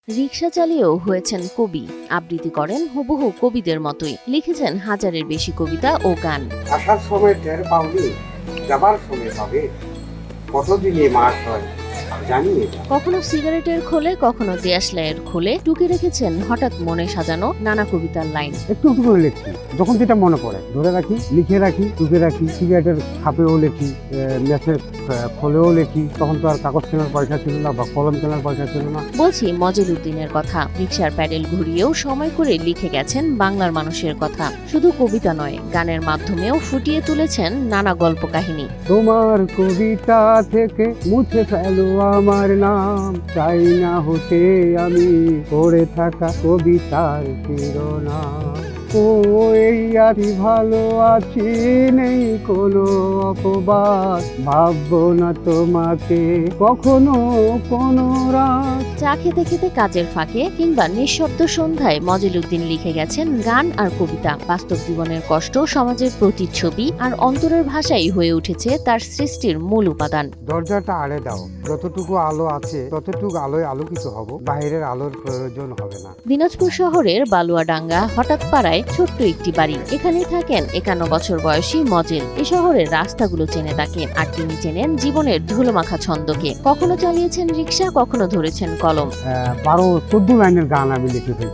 রিকশা চালিয়েও হয়েছেন কবি, আবৃত্তি করেন হুবহু কবিদের মতোই, লিখেছেন হাজারের বেশি কবিতা ও গান। আসার সময় টের পাওনি, যাবার সময় পাবে, কতদিনে মাস হয় জানিয়ে দাও। কখনো সিগারেটের খোলে, কখনো দেশলাইয়ের খোলে টুকে রেখেছেন হঠাৎ মনে সাজানো নানা কবিতার লাইন। একটু একটু করে লিখছি, যখন যেটা মনে পড়ে ধরে রাখি, লিখে রাখি, টুকে রাখি। সিগারেটের খাপেও লিখি, ম্যাচের খোলেও লিখি। তখন তো আর কাগজ কেনার পয়সা ছিল না বা কলম কেনার পয়সা ছিল না। বলছি মজিল উদ্দিনের কথা। রিকশার প্যাডেল ঘুরিয়েও সময় করে লিখে গেছেন বাংলার মানুষের কথা। শুধু কবিতা নয়, গানের মাধ্যমেও ফুটিয়ে তুলেছেন নানা গল্প কাহিনী। তোমার কবিতা থেকে মুছে ফেলো আমার নাম, চাই না হতে আমি পড়ে থাকা কবিতার শিরোনাম। ও এই আছি, ভালো আছি, নেই কোনো অপবাদ, ভাববো না তোমাকে কখনো কোনো রাত। চা খেতে খেতে কাজের ফাঁকে কিংবা নিঃশব্দ সন্ধ্যায় মজিল উদ্দিন লিখে গেছেন গান আর কবিতা। বাস্তব জীবনের কষ্ট, সমাজের প্রতিচ্ছবি আর অন্তরের ভাষাই হয়ে উঠেছে তার সৃষ্টির মূল উপাদান। দরজাটা আড়ে দাও, যতটুকু আলো আছে ততটুকু আলোয় আলোকিত হব, বাইরের আলোর প্রয়োজন হবে না। দিনাজপুর শহরের বালুয়াডাঙ্গা হঠাৎ পাড়ায় ছোট্ট একটি বাড়ি। এখানেই থাকেন 51 বছর বয়সী মজিল। এ শহরের রাস্তাগুলো চেনে তাকে, আর তিনি চেনেন জীবনের ধুলোমাখা ছন্দকে। কখনো চালিয়েছেন রিকশা, কখনো ধরেছেন কলম। 12-14 লাইনের গান আমি লিখে ফেলছি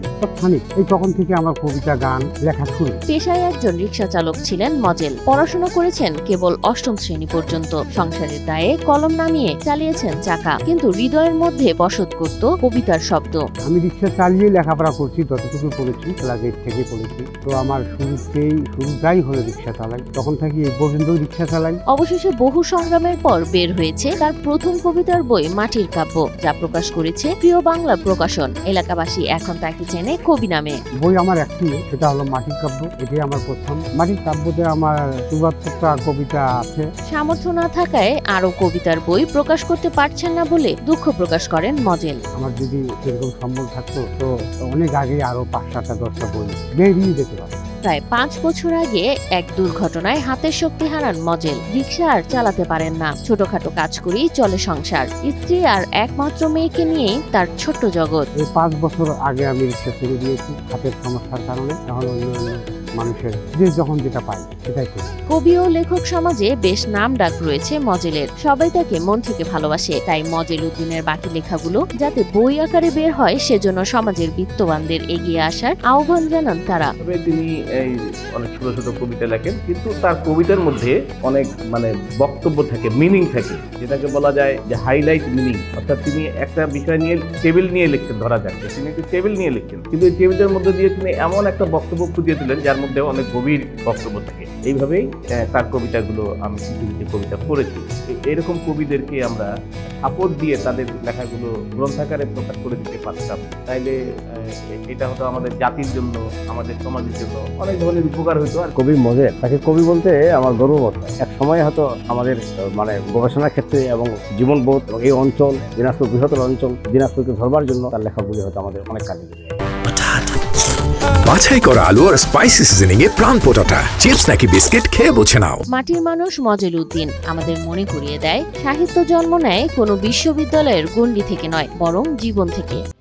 তখন থেকে আমার কবিতা গান লেখা শুরু। পেশায় একজন রিকশা চালক ছিলেন মজেল। পড়াশোনা করেছেন কেবল 8ম শ্রেণী পর্যন্ত। সংসারের দায়ে কলম নামিয়ে চালিয়েছেন চাকা, কিন্তু হৃদয়ের মধ্যে বসত করত কবিতার শব্দ। আমি রিকশা চালিয়ে লেখাপড়া করছি, যতটুকু পড়েছি ক্লাস 8 থেকে পড়েছি। তো আমার শুরুটাই হলো রিকশা চালাই, তখন থেকে এই পর্যন্ত রিকশা চালাই। অবশেষে বহু সংগ্রামের পর বের হয়েছে তার প্রথম কবিতার বই মাটির কাব্য, যা প্রকাশ করেছে প্রিয় বাংলা প্রকাশন। এলাকাবাসী এখন তাকে চেনে কবি নামে। বই আমার একটি, সেটা হলো মাটির কাব্য। এটাই আমার প্রথম। মাটির কাব্যতে আমার 74টা কবিতা আছে। সামর্থ্য না থাকায় আরো কবিতার বই প্রকাশ করতে পারছেন না বলে দুঃখ প্রকাশ করেন মজেল। আমার যদি সেরকম সম্বল থাকতো তো অনেক আগে আরো 5-7-10টা বই বেরিয়ে যেতে পারতো। প্রায় 5 বছর আগে এক দুর্ঘটনায় হাতের শক্তি হারান মজেল। রিকশা আর চালাতে পারেন না। ছোটখাটো কাজ করেই চলে সংসার। স্ত্রী আর একমাত্র মেয়েকে নিয়েই তার ছোট্ট জগৎ। এই 5 বছর আগে আমি রিকশা ছেড়ে দিয়েছি হাতের সমস্যার কারণে। এখন অন্য মানুষের যখন যেটা পাই সেটাই করি। কবি ও লেখক সমাজে বেশ নাম ডাক রয়েছে মজেলের। সবাই তাকে মন থেকে ভালোবাসে। তাই মজিল উদ্দিনের বাকি লেখাগুলো যাতে বই আকারে বের হয়, সেজন্য সমাজের বিত্তবানদের এগিয়ে আসার আহ্বান জানান তারা। তিনি এই অনেক ছোট ছোট কবিতা লেখেন, কিন্তু তার কবিতার মধ্যে অনেক বক্তব্য থাকে, মিনিং থাকে, যেটাকে বলা যায় যে হাইলাইট মিনিং। অর্থাৎ তিনি একটা বিষয় নিয়ে টেবিল নিয়ে লিখতেন, ধরা যাক তিনি একটি টেবিল নিয়ে লিখতেন, কিন্তু এই টেবিলের মধ্যে দিয়ে তিনি এমন একটা বক্তব্য ফুটিয়ে দিলেন যার মধ্যে অনেক গভীর বক্তব্য থাকে। এইভাবেই তার কবিতাগুলো আমি কিছু কিছু কবিতা পড়েছি। এরকম কবিদেরকে আমরা সাপোর্ট দিয়ে তাদের লেখাগুলো গ্রন্থাকারে প্রকাশ করে দিতে পারতাম, তাইলে এটা হতো আমাদের জাতির জন্য, আমাদের সমাজের জন্য অনেক ধরনের উপকার হতো। আর কবি মজেল, তাকে কবি বলতে আমার গর্ববোধ হয়। এক সময় হয়তো আমাদের গবেষণার ক্ষেত্রে এবং জীবনবোধ এবং এই অঞ্চল, দিনাজপুর বৃহত্তর অঞ্চল, দিনাজপুরকে ধরবার জন্য তার লেখাগুলি হয়তো আমাদের অনেক কাজে দেবে। বাছাই করা আলু আর স্পাইসি সিজনিং এ প্রাণ পোটাটা চিপস নাকি বিস্কিট খেয়ে বোঝে নাও। মাটির মানুষ মজিল উদ্দিন আমাদের মনে করিয়ে দেয়, সাহিত্য জন্ম নেয় কোনো বিশ্ববিদ্যালয়ের গণ্ডি থেকে নয়, বরং জীবন থেকে।